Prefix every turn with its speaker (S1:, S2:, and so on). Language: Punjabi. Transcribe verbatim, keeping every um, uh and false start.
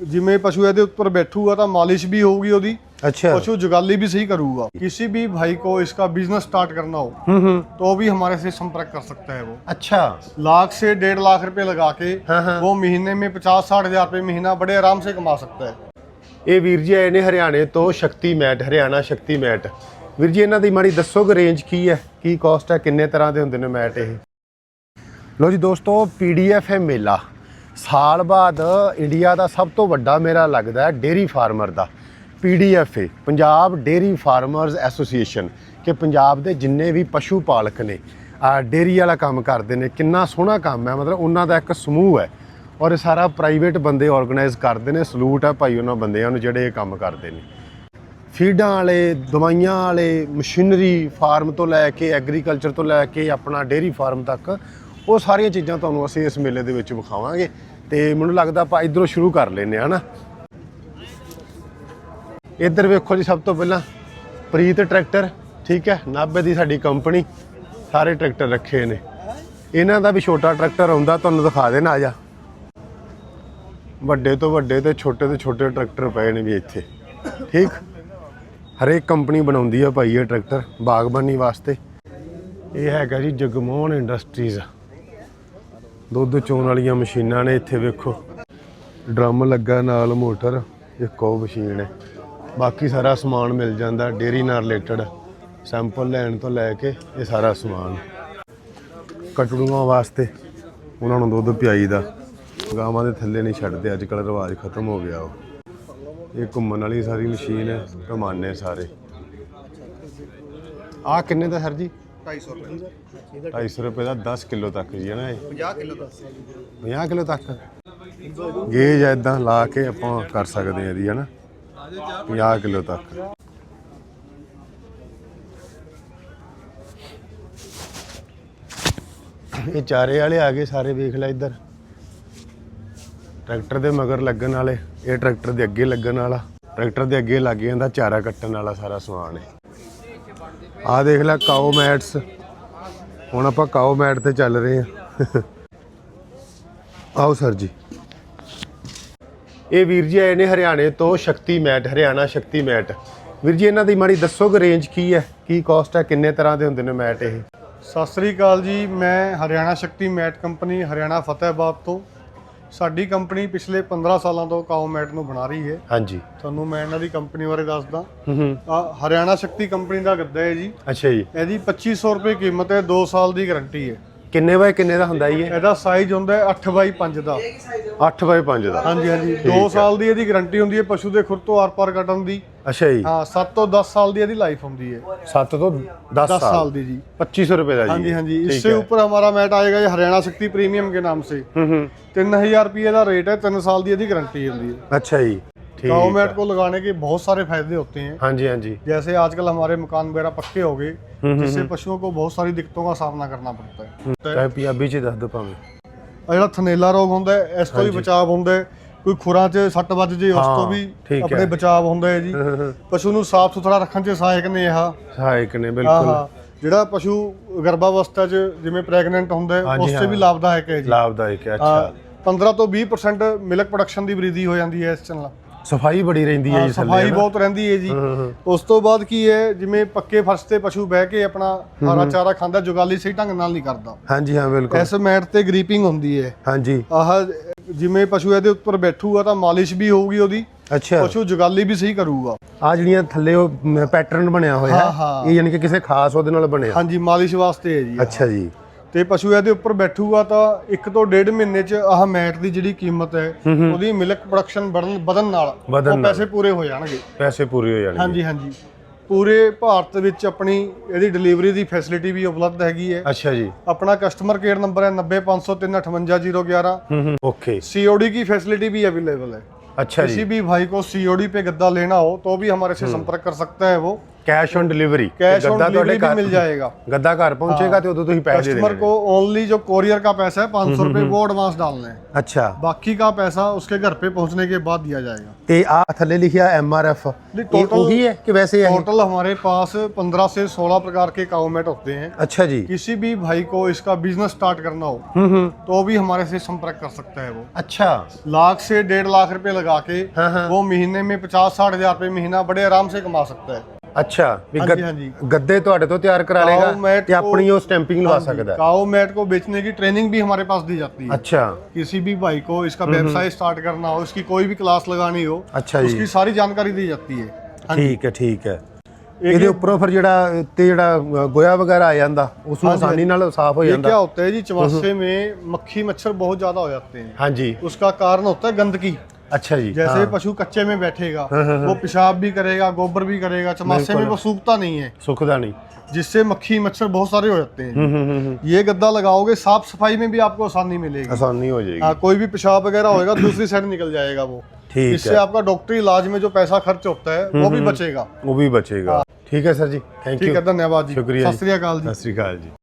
S1: जिमें पशु ਇਹਦੇ ਉੱਪਰ बैठूगा तो मालिश भी होगी ਉਹਦੀ।
S2: अच्छा।
S1: पशु जुगाली भी सही करूँगा। किसी भी भाई को इसका बिजनेस स्टार्ट करना हो तो भी हमारे से संपर्क कर सकता है वो।
S2: अच्छा।
S1: लाख से डेढ़ लाख रुपए लगा के
S2: हाँ हाँ।
S1: वो महीने में पचास साठ हजार रुपए महीना बड़े आराम से कमा सकता है।
S2: ਇਹ ਵੀਰ ਜੀ ਆਏ ਨੇ ਹਰਿਆਣੇ ਤੋਂ ਸ਼ਕਤੀ ਮੈਟ, ਹਰਿਆਣਾ ਸ਼ਕਤੀ ਮੈਟ। ਵੀਰ ਜੀ ਇਹਨਾਂ ਦੀ ਮਾੜੀ ਦੱਸੋਗੇ ਰੇਂਜ ਕੀ ਹੈ, ਕੀ ਕਾਸਟ ਹੈ, ਕਿੰਨੇ ਤਰ੍ਹਾਂ ਦੇ ਹੁੰਦੇ ਨੇ ਮੈਟ ਇਹ? ਲੋ ਜੀ ਦੋਸਤੋ, ਪੀਡੀਐਫ ਹੈ ਮੇਲਾ। ਸਾਲ ਬਾਅਦ ਇੰਡੀਆ ਦਾ ਸਭ ਤੋਂ ਵੱਡਾ ਮੇਰਾ ਲੱਗਦਾ ਹੈ ਡੇਅਰੀ ਫਾਰਮਰ ਦਾ। ਪੀਡੀਐਫ ਹੈ ਪੰਜਾਬ ਡੇਅਰੀ ਫਾਰਮਰਸ ਐਸੋਸੀਏਸ਼ਨ, ਕਿ ਪੰਜਾਬ ਦੇ ਜਿੰਨੇ ਵੀ ਪਸ਼ੂ ਪਾਲਕ ਨੇ, ਡੇਅਰੀ ਵਾਲਾ ਕੰਮ ਕਰਦੇ ਨੇ, ਕਿੰਨਾ ਸੋਹਣਾ ਕੰਮ ਹੈ। ਮਤਲਬ ਉਹਨਾਂ ਦਾ ਇੱਕ ਸਮੂਹ ਹੈ ਔਰ ਸਾਰਾ ਪ੍ਰਾਈਵੇਟ ਬੰਦੇ ਆਰਗੇਨਾਈਜ਼ ਕਰਦੇ ਨੇ। ਸਲੂਟ ਹੈ ਭਾਈ ਉਹਨਾਂ ਬੰਦਿਆਂ ਨੂੰ ਜਿਹੜੇ ਇਹ ਕੰਮ ਕਰਦੇ ਨੇ। ਫੀਡਾਂ ਵਾਲੇ, ਦਵਾਈਆਂ ਵਾਲੇ, ਮਸ਼ੀਨਰੀ ਫਾਰਮ ਤੋਂ ਲੈ ਕੇ ਐਗਰੀਕਲਚਰ ਤੋਂ ਲੈ ਕੇ ਆਪਣਾ ਡੇਅਰੀ ਫਾਰਮ ਤੱਕ, ਉਹ ਸਾਰੀਆਂ ਚੀਜ਼ਾਂ ਤੁਹਾਨੂੰ ਅਸੀਂ ਇਸ ਮੇਲੇ ਦੇ ਵਿੱਚ ਵਿਖਾਵਾਂਗੇ। ਤੇ ਮੈਨੂੰ ਲੱਗਦਾ ਆਪਾਂ ਇੱਧਰੋਂ ਸ਼ੁਰੂ ਕਰ ਲੈਂਦੇ ਹਾਂ ਨਾ। ਇੱਧਰ ਵੇਖੋ ਜੀ, ਸਭ ਤੋਂ ਪਹਿਲਾਂ ਪ੍ਰੀਤ ਟਰੈਕਟਰ, ਠੀਕ ਹੈ, ਨਾਭੇ ਦੀ ਸਾਡੀ ਕੰਪਨੀ। ਸਾਰੇ ਟਰੈਕਟਰ ਰੱਖੇ ਨੇ। ਇਹਨਾਂ ਦਾ ਵੀ ਛੋਟਾ ਟਰੈਕਟਰ ਆਉਂਦਾ, ਤੁਹਾਨੂੰ ਦਿਖਾ ਦੇਣਾ। ਆ ਜਾ, ਵੱਡੇ ਤੋਂ ਵੱਡੇ ਤੇ ਛੋਟੇ ਤੋਂ ਛੋਟੇ ਟਰੈਕਟਰ ਪਏ ਨੇ ਵੀ ਇੱਥੇ, ਠੀਕ। ਹਰੇਕ ਕੰਪਨੀ ਬਣਾਉਂਦੀ ਆ ਭਾਈ ਇਹ ਟਰੈਕਟਰ ਬਾਗਬਾਨੀ ਵਾਸਤੇ। ਇਹ ਹੈਗਾ ਜੀ ਜਗਮੋਹਨ ਇੰਡਸਟਰੀਜ਼। ਦੁੱਧ ਚੋਣ ਵਾਲੀਆਂ ਮਸ਼ੀਨਾਂ ਨੇ ਇੱਥੇ ਵੇਖੋ, ਡਰਮ ਲੱਗਾ ਨਾਲ, ਮੋਟਰ, ਇੱਕ ਉਹ ਮਸ਼ੀਨ ਹੈ। ਬਾਕੀ ਸਾਰਾ ਸਮਾਨ ਮਿਲ ਜਾਂਦਾ ਡੇਅਰੀ ਨਾਲ ਰਿਲੇਟਡ, ਸੈਂਪਲ ਲੈਣ ਤੋਂ ਲੈ ਕੇ ਇਹ ਸਾਰਾ ਸਮਾਨ। ਕਟੜੂਆਂ ਵਾਸਤੇ ਉਹਨਾਂ ਨੂੰ ਦੁੱਧ ਪਿਆਈ ਦਾ, ਗਾਵਾਂ ਦੇ ਥੱਲੇ ਨਹੀਂ ਛੱਡਦੇ, ਅੱਜ ਕੱਲ੍ਹ ਰਿਵਾਜ ਖਤਮ ਹੋ ਗਿਆ। ਉਹ ਇਹ ਘੁੰਮਣ ਵਾਲੀ ਸਾਰੀ ਮਸ਼ੀਨ ਹੈ, ਕਮਾਨੇ ਸਾਰੇ। ਆਹ ਕਿੰਨੇ ਦਾ ਸਰ ਜੀ?
S1: ਢਾਈ ਸੌ ਰੁਪਏ।
S2: ਢਾਈ ਸੌ ਰੁਪਏ ਦਾ ਦਸ ਕਿਲੋ ਤੱਕ ਜੀ ਹੈ ਨਾ ਇਹ?
S1: ਪੰਜਾਹ ਕਿਲੋ ਦਾ।
S2: ਪੰਜਾਹ ਕਿਲੋ ਤੱਕ ਗੇਜ ਇੱਦਾਂ ਲਾ ਕੇ ਆਪਾਂ ਕਰ ਸਕਦੇ ਹਾਂ ਇਹਦੀ, ਹੈ ਨਾ, ਪੰਜਾਹ ਕਿਲੋ ਤੱਕ। ਇਹ ਚਾਰੇ ਵਾਲੇ ਆ ਗਏ ਸਾਰੇ, ਵੇਖ ਲੈ ਇੱਧਰ। ਟਰੈਕਟਰ ਦੇ ਮਗਰ ਲੱਗਣ ਵਾਲੇ, ਇਹ ਟਰੈਕਟਰ ਦੇ ਅੱਗੇ ਲੱਗਣ ਵਾਲਾ, ਟਰੈਕਟਰ ਦੇ ਅੱਗੇ ਲੱਗ ਜਾਂਦਾ ਚਾਰਾ ਕੱਟਣ ਵਾਲਾ ਸਾਰਾ ਸਮਾਨ ਹੈ। ਆਹ ਦੇਖ ਲੈ ਕਾਓ ਮੈਟਸ। ਹੁਣ ਆਪਾਂ ਕਾਓ ਮੈਟ ਤੇ ਚੱਲ ਰਹੇ ਹਾਂ। ਆਓ ਸਰ ਜੀ। ਇਹ ਵੀਰ ਜੀ ਆਏ ਨੇ ਹਰਿਆਣੇ ਤੋਂ ਸ਼ਕਤੀ ਮੈਟ, ਹਰਿਆਣਾ ਸ਼ਕਤੀ ਮੈਟ। ਵੀਰ ਜੀ ਇਹਨਾਂ ਦੀ ਮਾੜੀ ਦੱਸੋਗੇ ਰੇਂਜ ਕੀ ਹੈ, ਕੀ ਕਾਸਟ ਹੈ, ਕਿੰਨੇ ਤਰ੍ਹਾਂ ਦੇ ਹੁੰਦੇ ਨੇ ਮੈਟ ਇਹ?
S1: ਸਤਿ ਸ੍ਰੀ ਅਕਾਲ ਜੀ, ਮੈਂ ਹਰਿਆਣਾ ਸ਼ਕਤੀ ਮੈਟ ਕੰਪਨੀ, ਹਰਿਆਣਾ ਫਤਿਹਾਬਾਦ ਤੋਂ। ਸਾਡੀ ਕੰਪਨੀ ਪਿਛਲੇ ਪੰਦਰਾਂ ਸਾਲਾਂ ਤੋਂ ਕਾਓ ਮੈਟ ਨੂੰ ਬਣਾ ਰਹੀ ਹੈ।
S2: ਹਾਂਜੀ,
S1: ਤੁਹਾਨੂੰ ਮੈਂ ਇਹਨਾਂ ਦੀ ਕੰਪਨੀ ਬਾਰੇ ਦੱਸਦਾ।
S2: ਹੂੰ ਹੂੰ।
S1: ਆ ਹਰਿਆਣਾ ਸ਼ਕਤੀ ਕੰਪਨੀ ਦਾ ਗੱਦਾ ਹੈ ਜੀ।
S2: ਅੱਛਾ ਜੀ।
S1: ਇਹਦੀ ਪੱਚੀ ਸੌ ਰੁਪਏ ਕੀਮਤ ਹੈ, ਦੋ ਸਾਲ ਦੀ ਗਾਰੰਟੀ ਹੈ।
S2: ਕਿੰਨੇ ਬਾਏ ਕਿੰਨੇ ਦਾ ਹੁੰਦਾ ਜੀ ਇਹ?
S1: ਇਹਦਾ ਸਾਈਜ਼ ਹੁੰਦਾ ਹੈ ਅੱਠ ਬਾਈ ਪੰਜ ਦਾ।
S2: ਅੱਠ ਬਾਏ ਪੰਜ ਦਾ?
S1: ਹਾਂਜੀ ਹਾਂਜੀ। ਦੋ ਸਾਲ ਦੀ ਇਹਦੀ ਗਾਰੰਟੀ ਹੁੰਦੀ ਹੈ ਪਸ਼ੂ ਦੇ ਖੁਰ ਤੋਂ ਆਰ ਪਾਰ ਕੱਟਣ ਦੀ।
S2: ਅੱਛਾ ਜੀ।
S1: ਹਾਂ, ਸੱਤ ਤੋਂ दस साल ਦੀ ਇਹਦੀ ਲਾਈਫ ਹੁੰਦੀ है।
S2: सात तो दस
S1: दस साल दी जी।
S2: पच्चीस सौ रुपए का जी।
S1: हाँ जी हाँ जी। इससे ऊपर हमारा मैट आएगा ये हरियाणा शक्ति प्रीमियम के नाम से। तीन हजार रुपये का रेट है, तीन साल की इसकी गारंटी होती है।
S2: अच्छा जी।
S1: काओ मैट को लगाने के बहुत सारे फायदे होते हैं।
S2: हाँ जी हाँ जी।
S1: जैसे आजकल हमारे मकान वगैरह पक्के हो गए, जिससे पशुओं को बहुत सारी दिक्कतों का सामना करना पड़ता है।
S2: पंजाबी च दस दो भावें।
S1: ਜਿਹੜਾ ਥਨੇਲਾ ਰੋਗ ਹੁੰਦਾ ਹੈ, ਇਸ ਤੋਂ ਵੀ ਬਚਾਅ ਹੁੰਦਾ ਹੈ। ਕੋਈ ਖੁਰਾਂ 'ਚ ਸੱਟ ਵੱਜ ਜੇ, ਉਸ ਤੋਂ ਵੀ ਆਪਣੇ ਬਚਾਅ ਹੁੰਦਾ ਹੈ ਜੀ। ਪਸ਼ੂ ਨੂੰ ਸਾਫ਼ ਸੁਥਰਾ ਰੱਖਣ 'ਚ ਸਹਾਇਕ ਨੇ ਇਹ।
S2: ਸਹਾਇਕ ਨੇ ਬਿਲਕੁਲ।
S1: ਜਿਹੜਾ ਪਸ਼ੂ ਗਰਭਾਵਸਥਾ 'ਚ ਜਿਵੇਂ ਪ੍ਰੈਗਨੈਂਟ ਹੁੰਦਾ ਹੈ, ਉਸ 'ਤੇ ਵੀ ਲਾਭਦਾਇਕ ਹੈ ਜੀ।
S2: ਲਾਭਦਾਇਕ ਹੈ। ਅੱਛਾ।
S1: ਪੰਦਰਾਂ ਤੋਂ ਵੀਹ ਪਰਸੈਂਟ ਮਿਲਕ ਪ੍ਰੋਡਕਸ਼ਨ ਦੀ ਵ੍ਰਿੱਧੀ ਹੋ ਜਾਂਦੀ ਹੈ ਇਸ ਨਾਲ।
S2: ਸਫਾਈ ਬੜੀ ਰਹਿੰਦੀ ਹੈ ਜੀ,
S1: ਸਫਾਈ ਬਹੁਤ ਰਹਿੰਦੀ ਹੈ ਜੀ। ਉਸ ਤੋਂ ਬਾਅਦ ਕੀ ਹੈ, ਜਿਵੇਂ ਪੱਕੇ ਫਰਸ਼ ਤੇ ਪਸ਼ੂ ਬਹਿ ਕੇ ਆਪਣਾ ਹਰਾ ਚਾਰਾ ਖਾਂਦਾ, ਜੁਗਾਲੀ ਸਹੀ ਢੰਗ ਨਾਲ ਨਹੀਂ ਕਰਦਾ। ਹਾਂਜੀ ਹਾਂ ਬਿਲਕੁਲ। ਇਸ ਮੈਟ ਤੇ ਗਰੀਪਿੰਗ ਹੁੰਦੀ ਹੈ। ਹਾਂਜੀ। ਆਹ ਜਿਵੇਂ ਪਸ਼ੂ ਇਹਦੇ ਉੱਪਰ ਬੈਠੂਗਾ ਤਾਂ ਮਾਲਿਸ਼ ਵੀ ਹੋਊਗੀ ਉਹਦੀ। ਅੱਛਾ। ਪਸ਼ੂ ਜੁਗਾਲੀ ਵੀ ਸਹੀ ਕਰੂਗਾ। ਆ ਜਿਹੜੀਆਂ ਥੱਲੇ ਉਹ ਪੈਟਰਨ ਬਣਿਆ ਹੋਇਆ ਹੈ, ਇਹ ਯਾਨੀ ਕਿ ਕਿਸੇ ਖਾਸ ਉਹਦੇ ਨਾਲ ਬਣਿਆ? ਹਾਂਜੀ, ਮਾਲਿਸ਼ ਵਾਸਤੇ ਹੈ ਜੀ। ਅੱਛਾ ਜੀ। ਤੇ ਪਸ਼ੂ ਇਹਦੇ ਉੱਪਰ ਬੈਠੂਗਾ ਤਾਂ ਇੱਕ ਤੋਂ ਡੇਢ ਮਹੀਨੇ 'ਚ ਆਹ ਮੈਟ ਦੀ ਜਿਹੜੀ ਕੀਮਤ ਹੈ, ਉਹਦੀ ਮਿਲਕ ਪ੍ਰੋਡਕਸ਼ਨ ਵਧਣ ਨਾਲ ਉਹ ਪੈਸੇ ਪੂਰੇ ਹੋ ਜਾਣਗੇ। ਪੈਸੇ ਪੂਰੇ ਹੋ ਜਾਣਗੇ। ਹਾਂਜੀ ਹਾਂਜੀ। ਪੂਰੇ ਭਾਰਤ ਵਿੱਚ ਆਪਣੀ ਇਹਦੀ ਡਿਲੀਵਰੀ ਦੀ ਫੈਸਿਲਿਟੀ ਵੀ ਉਪਲਬਧ ਹੈਗੀ ਹੈ। ਅੱਛਾ ਜੀ। ਆਪਣਾ ਕਸਟਮਰ ਕੇਅਰ ਨੰਬਰ ਹੈ ਨੱਬੇ ਪੰਜ ਸੌ ਤਿੰਨ ਅਠਵੰਜਾ ਜ਼ੀਰੋ ਗਿਆਰਾਂ। ओके। सीओडी की फैसिलिटी भी अवेलेबल है। अच्छा। किसी भी भाई को सीओडी पे गद्दा लेना हो तो भी हमारे से संपर्क कर सकता है वो।
S2: Cash on delivery,
S1: cash on delivery भी मिल जाएगा।
S2: गद्दा घर पहुंचेगा तो उदों तुसीं पैसे दे
S1: कस्टमर को ओनली जो कोरियर का पैसा है पाँच सौ रुपए वो एडवांस डालना है,
S2: अच्छा,
S1: बाकी का पैसा उसके घर पे पहुंचने के बाद दिया जाएगा।
S2: ते आ थल्ले लिखिया एम आर एफ, ये वही है कि वैसे है?
S1: टोटल हमारे पास पंद्रह से सोलह प्रकार के काउ मैट होते हैं।
S2: अच्छा जी।
S1: किसी भी भाई को इसका बिजनेस स्टार्ट करना हो तो भी हमारे से संपर्क कर सकता है वो।
S2: अच्छा,
S1: लाख से डेढ़ लाख रुपए लगा के
S2: हाँ हाँ।
S1: वो महीने में पचास साठ हजार रुपए महीना बड़े आराम से कमा सकता है।
S2: अच्छा, भी
S1: हाँ
S2: गद,
S1: जी, हाँ जी।
S2: गद्दे ਤੁਹਾਡੇ ਤੋਂ ਤਿਆਰ ਕਰਾ ਲੇਗਾ ਤੇ ਆਪਣੀ ਉਹ स्टैंपिंग लगा सकता है।
S1: काउ मैट को बेचने की ट्रेनिंग भी हमारे पास दी जाती है।
S2: अच्छा,
S1: किसी भी भाई को इसका व्यवसाय स्टार्ट करना हो, इसकी कोई भी क्लास लगानी हो,
S2: अच्छा जी,
S1: उसकी सारी जानकारी दी जाती है।
S2: ठीक है ठीक है। ਇਹਦੇ ਉੱਪਰੋਂ ਫਿਰ ਜਿਹੜਾ ਤੇ ਜਿਹੜਾ ਗੋਇਆ ਵਗੈਰਾ ਆ ਜਾਂਦਾ ਉਸ ਨੂੰ ਆਸਾਨੀ ਨਾਲ ਸਾਫ਼ ਹੋ ਜਾਂਦਾ।
S1: क्या होता है जी, चवासे में मक्खी मच्छर बहुत ज्यादा हो जाते हैं।
S2: हाँ जी,
S1: उसका कारण होता है गंदगी।
S2: अच्छा जी।
S1: जैसे
S2: हाँ।
S1: पशु कच्चे में बैठेगा वो पेशाब भी करेगा, गोबर भी करेगा, चमासे में वो सूखता नहीं है,
S2: सूखता नहीं,
S1: जिससे मक्खी मच्छर बहुत सारे हो जाते हैं। ये गद्दा लगाओगे साफ सफाई में भी आपको आसानी मिलेगी,
S2: आसानी हो जाएगी।
S1: हाँ, कोई भी पेशाब वगैरह होगा दूसरी साइड निकल जाएगा वो।
S2: ठीक
S1: इससे आपका डॉक्टरी इलाज में जो पैसा खर्च होता है वो भी बचेगा।
S2: वो भी बचेगा। ठीक है सर जी, थैंक यू।
S1: ठीक है, धन्यवाद जी,
S2: शुक्रिया,
S1: सत श्री अकाल जी।
S2: सत श्री अकाल जी।